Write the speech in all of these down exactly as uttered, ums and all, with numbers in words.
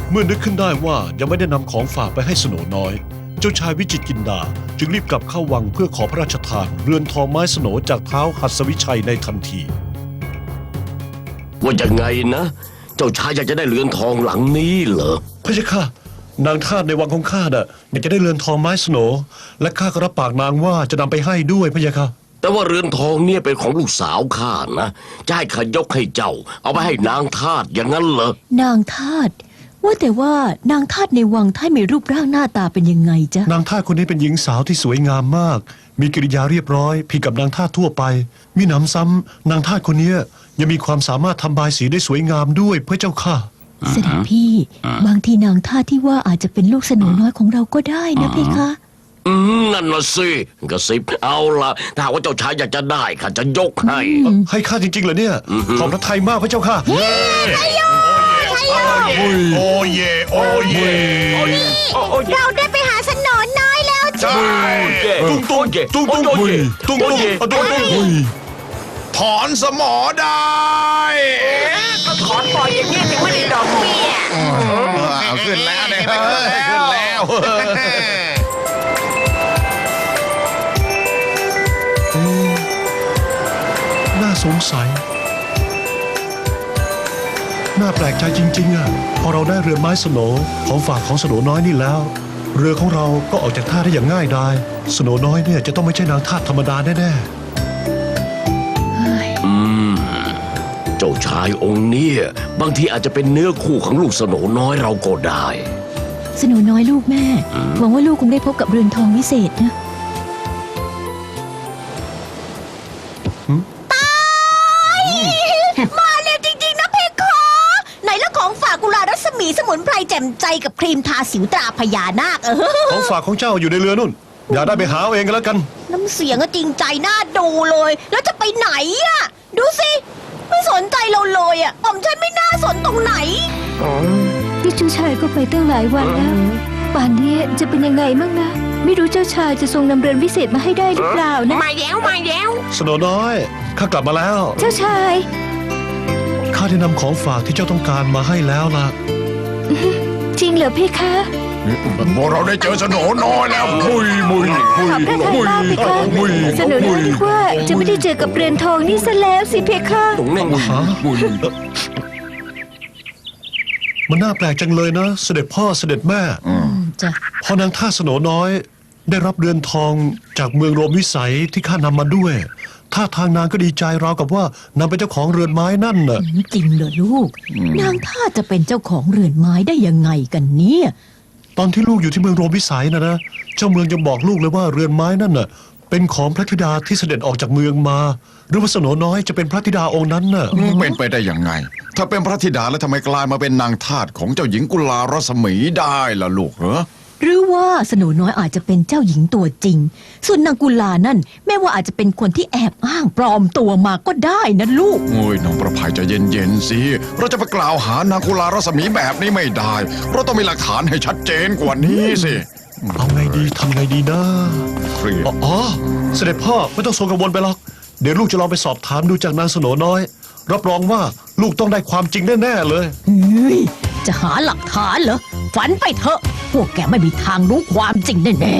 เมื่อนึกขึ้นได้ว่ายังไม่ได้นำของฝากไปให้สโหนน้อยเจ้าชายวิจิตรกินดาจึงรีบกลับเข้าวังเพื่อขอพระราชทานเรือนทองไม้สโหนจากเท้าหัสวิชัยในทันทีว่ายังไงนะเจ้าชายอยากจะได้เรือนทองหลังนี้เหรอพระเจ้าค่ะนางทาสในวังของข้าน่ะอยากจะได้เรือนทองไม้สโหนและข้าก็รับปากนางว่าจะนำไปให้ด้วยพระเจ้าค่ะแต่ว่าเรือนทองเนี่ยเป็นของลูกสาวข้านะจะให้ข้ายกให้เจ้าเอาไปให้นางทาสอย่างนั้นเหรอนางทาสว่าแต่ว่านางทาสในวังท่านมีรูปร่างหน้าตาเป็นยังไงจ๊ะนางทาสคนนี้เป็นหญิงสาวที่สวยงามมากมีกิริยาเรียบร้อยผิดกับนางทาสทั่วไปมีหนำซ้ำนางทาสคนนี้ยังมีความสามารถทำบายสีได้สวยงามด้วยพระเจ้าค่ะเสด็จพี่บางทีนางทาสที่ว่าอาจจะเป็นลูกสโหนน้อยของเราก็ได้นะเพคะอืมนั่นน่ะสิกระซิบเอาละถ้าว่าเจ้าชายอยากจะได้ข้าจะยกให้ให้ข้าจริงๆเหรอเนี่ยขอบพระทัยมากพระเจ้าค่ะโอ้เยโอ้เยเราได้ไปหาสโหนน้อยแล้วจ้าตุ้งตุ้งตุ้งตุ้งตุ้งตุ้งตุ้งตุ้งถอนสมอได้ก็ถอนปล่อยอย่างนี้ถึงไม่ได้ดอกเบี้ยเอาขึ้นแล้วเนี่ยขึ้นแล้วน่าสงสัยน่าแปลกใจจริงๆอ่ะพอเราได้เรือไม้สโหนของฝากของสโหนน้อยนี่แล้วเรือของเราก็ออกจากท่าได้อย่างง่ายดายสโหนน้อยเนี่ยจะต้องไม่ใช่นางทาสธรรมดาแน่ๆอืมเจ้าชายองค์เนี่ยบางทีอาจจะเป็นเนื้อคู่ของลูกสโหนน้อยเราก็ได้สโหนน้อยลูกแม่หวังว่าลูกคงได้พบกับเรือนทองวิเศษนะมาเร็วจริงๆนะเพคะไหนละของฝากกุลารัศมีสมุนไพรแจ่มใจกับครีมทาสิวตราพญานาคเออของฝากของเจ้าอยู่ในเรือนู่นอย่าได้ไปหาเองกันแล้วกันน้ำเสียงก็จริงใจน่าดูเลยแล้วจะไปไหนอ่ะดูสิไม่สนใจเราเลยอ่ะผมฉันไม่น่าสนตรงไหนนี่เจ้าชายก็ไปตั้งหลายวันแล้วป่านนี้จะเป็นยังไงมั่งนะไม่รู้เจ้าชายจะทรงนำเรือนวิเศษมาให้ได้หรือเปล่านะมาแล้วมาแล้วสโหนน้อยข้ากลับมาแล้วเจ้าชายข้าได้นำของฝากที่เจ้าต้องการมาให้แล้วล่ะจริงเหรอพี่คะพวกเราได้เจอสโหนน้อยแล้วมุยมุยมุยมุยมุยสโหนน้อยนึกว่าจะไม่ได้เจอกับเรือนทองนี่ซะแล้วสิเพคะตรงนั้นมุยมันน่าแปลกจังเลยนะเสด็จพ่อเสด็จแม่พอนางท่าสโหนน้อยได้รับเรือนทองจากเมืองโรมวิสัยที่ข้านำมาด้วยท่าทางนางก็ดีใจราวกับว่านางเป็นเจ้าของเรือนไม้นั่นน่ะจริงเหรอลูกนางท่าจะเป็นเจ้าของเรือนไม้ได้ยังไงกันเนี่ยตอนที่ลูกอยู่ที่เมืองโรมวิสัยนะนะเจ้าเมืองยังบอกลูกเลยว่าเรือนไม้นั่นน่ะเป็นของพระธิดาที่เสด็จออกจากเมืองมาหรือว่าสโหนน้อยจะเป็นพระธิดาองค์นั้นน่ะเป็นไปได้ยังไงถ้าเป็นพระธิดาแล้วทำไมกลายมาเป็นนางทาสของเจ้าหญิงกุลารัศมีได้ล่ะลูกเหรอหรือว่าสโหนน้อยอาจจะเป็นเจ้าหญิงตัวจริงส่วนนางกุลานั่นแม้ว่าอาจจะเป็นคนที่แอบอ้างปลอมตัวมาก็ได้นะลูกโอ้ยน้องประภัยจะเย็นๆสิเราจะไปกล่าวหานางกุลารัศมีแบบนี้ไม่ได้เราต้องมีหลักฐานให้ชัดเจนกว่านี้สิเอาไงดีทำไงดีนะอ๋อเสด็จพ่อไม่ต้องทรงกังวลไปหรอกเดี๋ยวลูกจะลองไปสอบถามดูจากนางสโหนน้อยรับรองว่าลูกต้องได้ความจริงแน่ๆเลยจะหาหลักฐานเหรอฝันไปเถอะพวกแกไม่มีทางรู้ความจริงแน่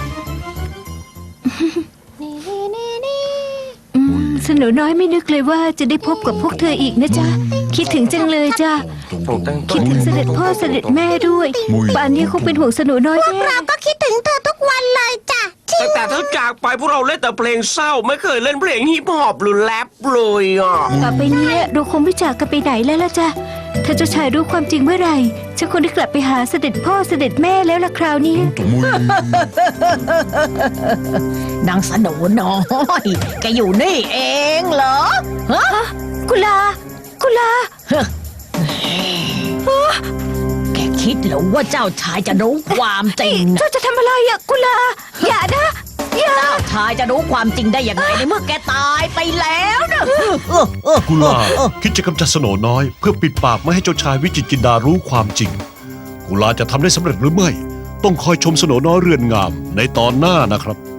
ๆสโหนน้อยไม่นึกเลยว่าจะได้พบกับพวกเธออีกนะจ๊ะคิดถึงจังเลยจ้ะคิดถึงเสด็จพ่อเสด็จแม่ด้วยป่านนี้คงเป็นห่วงสโหนน้อยพวกเราก็คิดถึงเธอทุกวันเลยจ้ะตั้งแต่เธอจากไปพวกเราเล่นแต่เพลงเศร้าไม่เคยเล่นเพลงฮิปฮอปหรือแรปเลยอ่ะต่อไปนี้เราคงไม่จากกันไปไหนแล้วล่ะจ้ะถ้าเจ้าชายรู้ความจริงเมื่อไหร่ฉันคงได้กลับไปหาเสด็จพ่อเสด็จแม่แล้วล่ะคราวนี้นางสโหนน้อยแกอยู่นี่เองเหรอฮะกุลากุลาแกคิดเหรอว่าเจ้าชายจะรู้ความจริงเจ้าจะทำอะไรอะกุลาอย่านะเจ้าชายจะรู้ความจริงได้ยังไงในเมื่อแกตายไปแล้วนะกุลาคิดจะกำจัดสโหนน้อยเพื่อปิดปากไม่ให้เจ้าชายวิจิตรกินดารู้ความจริงกุลาจะทำได้สำเร็จหรือไม่ต้องคอยชมสโหนน้อยเรือนงามในตอนหน้านะครับ